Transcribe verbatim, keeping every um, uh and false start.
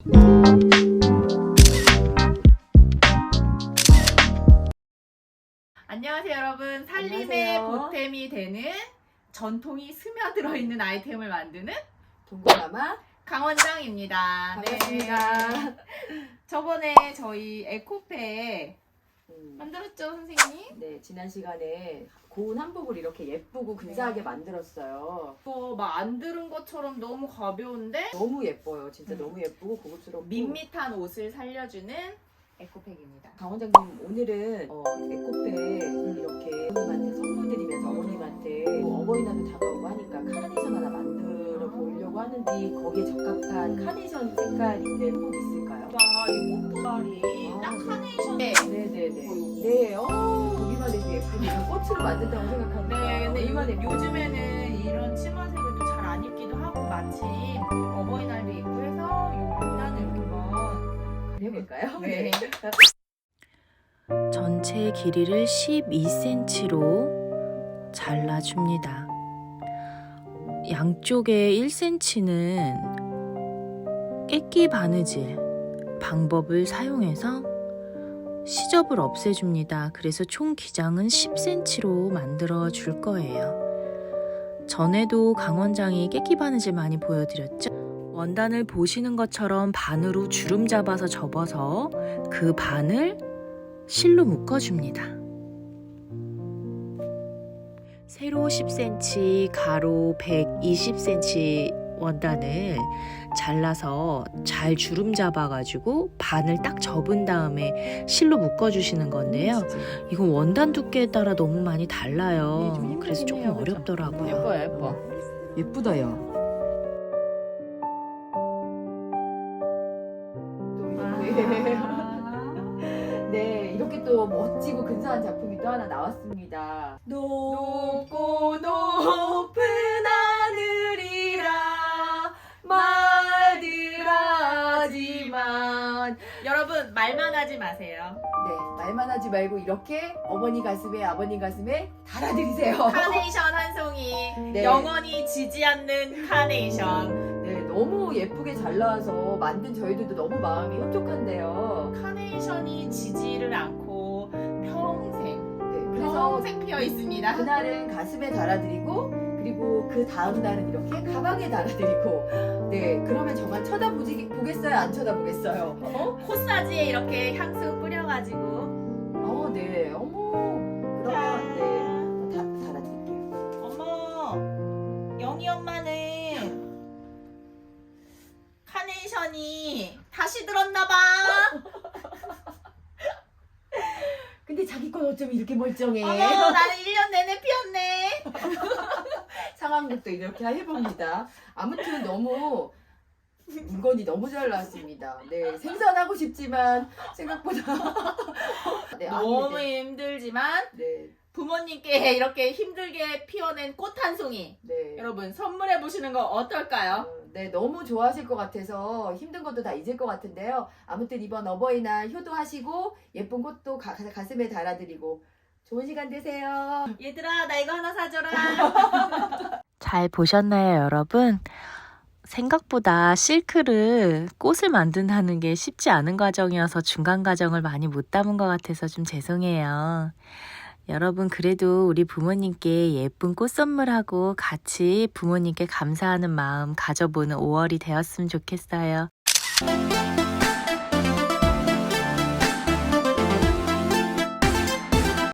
안녕하세요 여러분. 살림의 안녕하세요. 보탬이 되는 전통이 스며들어 있는 아이템을 만드는 동고마마 강원장입니다. 반갑습니다. 네. 저번에 저희 에코페 음, 만들었죠 선생님? 네, 지난 시간에 고운 한복을 이렇게 예쁘고 근사하게 네. 만들었어요. 이거 막 안 들은 것처럼 너무 가벼운데 너무 예뻐요. 진짜 음. 너무 예쁘고 고급스럽고 밋밋한 옷을 살려주는 에코팩입니다. 강원장님 오늘은 어, 에코페 이렇게 어머님한테 선물 드리면서 어머님한테 뭐 어버이날도 다가오고 하니까 카네이션 하나 만들어 보려고 하는데 거기에 적합한 카네이션 색깔 있는 꽃 있을까요? 이 꽃보다리 아, 딱 네. 카네이션. 네네네. 네, 어, 보기만 해도 예쁘게 꽃으로 만든다고 생각합니다. 네, 근데 보기만 해도 요즘에는 이런 치마색을 또 잘 안 입기도 하고 마침 어버이날도 있고 해서 이 원단을 한번 해볼까요? 네. 전체 길이를 십이 센티미터로 잘라줍니다. 양쪽에 일 센티미터는 깨끼 바느질 방법을 사용해서 시접을 없애줍니다. 그래서 총 기장은 십 센티미터로 만들어 줄 거예요. 전에도 강원장이 깨끼 바느질 많이 보여드렸죠? 원단을 보시는 것처럼 반으로 주름 잡아서 접어서 그 반을 실로 묶어줍니다. 세로 십 센티미터, 가로 백이십 센티미터 원단을 잘라서 잘 주름 잡아가지고 반을 딱 접은 다음에 실로 묶어주시는 건데요. 이건 원단 두께에 따라 너무 많이 달라요. 네, 좀 힘들긴 그래서 조금 해요. 어렵더라고요. 예뻐요 예뻐. 예쁘다요. 아. 네, 이렇게 또 멋지고 근사한 작품이 또 하나 나왔습니다. 높고 높은 하늘이라 말들 하지만 여러분 말만 하지 마세요. 네, 말만 하지 말고 이렇게 어머니 가슴에 아버님 가슴에 달아드리세요. 카네이션 한 송이 네. 영원히 지지 않는 카네이션. 네, 너무 예쁘게 잘 나와서 만든 저희들도 너무 마음이 흡족한데요. 카네이션이 지지를 않고 평생 네, 그래서 평생 피어 있습니다. 그날은 가슴에 달아드리고 그리고 그 다음 날은 이렇게 가방에 달아드리고 네 그러면 정말 쳐다보겠어요 안 쳐다보겠어요? 어? 코사지에 이렇게 향수 뿌려가지고 어네 어머 그러면 네 다, 달아드릴게요. 어머 영희 엄마는 카네이션이 다시 들었나봐. 근데 자기 건 어쩜 이렇게 멀쩡해? 어머 나는 일 년 내내 피었네. 상황극도 이렇게 해봅니다. 아무튼 너무 물건이 너무 잘 나왔습니다. 네 생산하고 싶지만 생각보다 네, 아니, 너무 네, 힘들지만 네, 부모님께 이렇게 힘들게 피워낸 꽃 한 송이 네. 여러분 선물해 보시는 거 어떨까요? 어, 네, 너무 좋아하실 것 같아서 힘든 것도 다 잊을 것 같은데요. 아무튼 이번 어버이날 효도하시고 예쁜 꽃도 가, 가- 가슴에 달아드리고 좋은 시간 되세요. 얘들아 나 이거 하나 사줘라. 잘 보셨나요, 여러분? 생각보다 실크를 꽃을 만든다는 게 쉽지 않은 과정이어서 중간 과정을 많이 못 담은 것 같아서 좀 죄송해요. 여러분 그래도 우리 부모님께 예쁜 꽃 선물하고 같이 부모님께 감사하는 마음 가져보는 오월이 되었으면 좋겠어요.